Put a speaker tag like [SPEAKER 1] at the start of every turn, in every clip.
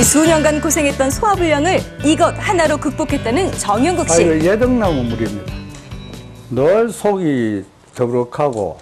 [SPEAKER 1] 이 수년간 고생했던 소화불량을 이것 하나로 극복했다는 정용국 씨.
[SPEAKER 2] 이거 예덕나무 물입니다. 늘 속이 더부룩하고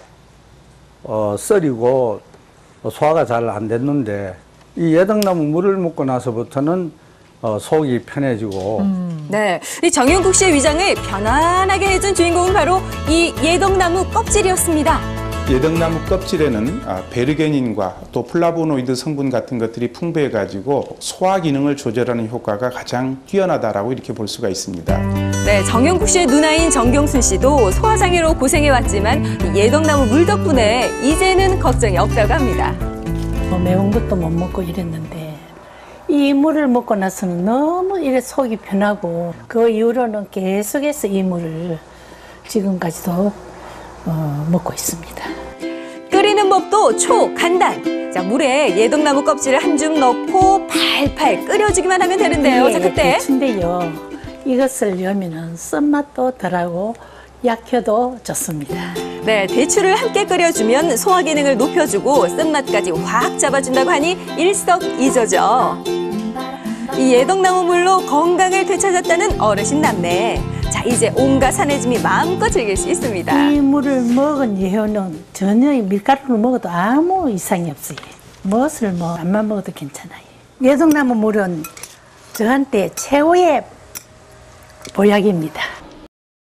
[SPEAKER 2] 썰이고 소화가 잘 안 됐는데 이 예덕나무 물을 먹고 나서부터는 속이 편해지고.
[SPEAKER 1] 네, 이 정용국 씨의 위장을 편안하게 해준 주인공은 바로 이 예덕나무 껍질이었습니다.
[SPEAKER 3] 예덕나무 껍질에는 베르게닌과 또 플라보노이드 성분 같은 것들이 풍부해가지고 소화 기능을 조절하는 효과가 가장 뛰어나다라고 이렇게 볼 수가 있습니다.
[SPEAKER 1] 네, 정용국 씨의 누나인 정경순 씨도 소화장애로 고생해왔지만 예덕나무 물 덕분에 이제는 걱정이 없다고 합니다.
[SPEAKER 4] 매운 것도 못 먹고 이랬는데 이 물을 먹고 나서는 너무 이래 속이 편하고 그 이후로는 계속해서 이 물을 지금까지도 먹고 있습니다.
[SPEAKER 1] 끓이는 법도 초간단. 자, 물에 예덕나무 껍질을 한 줌 넣고 팔팔 끓여주기만 하면 되는데요. 자, 그때
[SPEAKER 4] 대추인데요. 이것을 넣으면 쓴맛도 덜하고 약효도 좋습니다.
[SPEAKER 1] 네, 대추를 함께 끓여주면 소화 기능을 높여주고 쓴맛까지 확 잡아준다고 하니 일석이조죠. 이 예덕나무 물로 건강을 되찾았다는 어르신 남매. 자, 이제 온갖 산해짐이 마음껏 즐길 수 있습니다.
[SPEAKER 4] 이 물을 먹은 이후는 전혀 밀가루를 먹어도 아무 이상이 없어요. 무엇을 안만 먹어도 괜찮아요. 예덕나무 물은 저한테 최고의 보약입니다.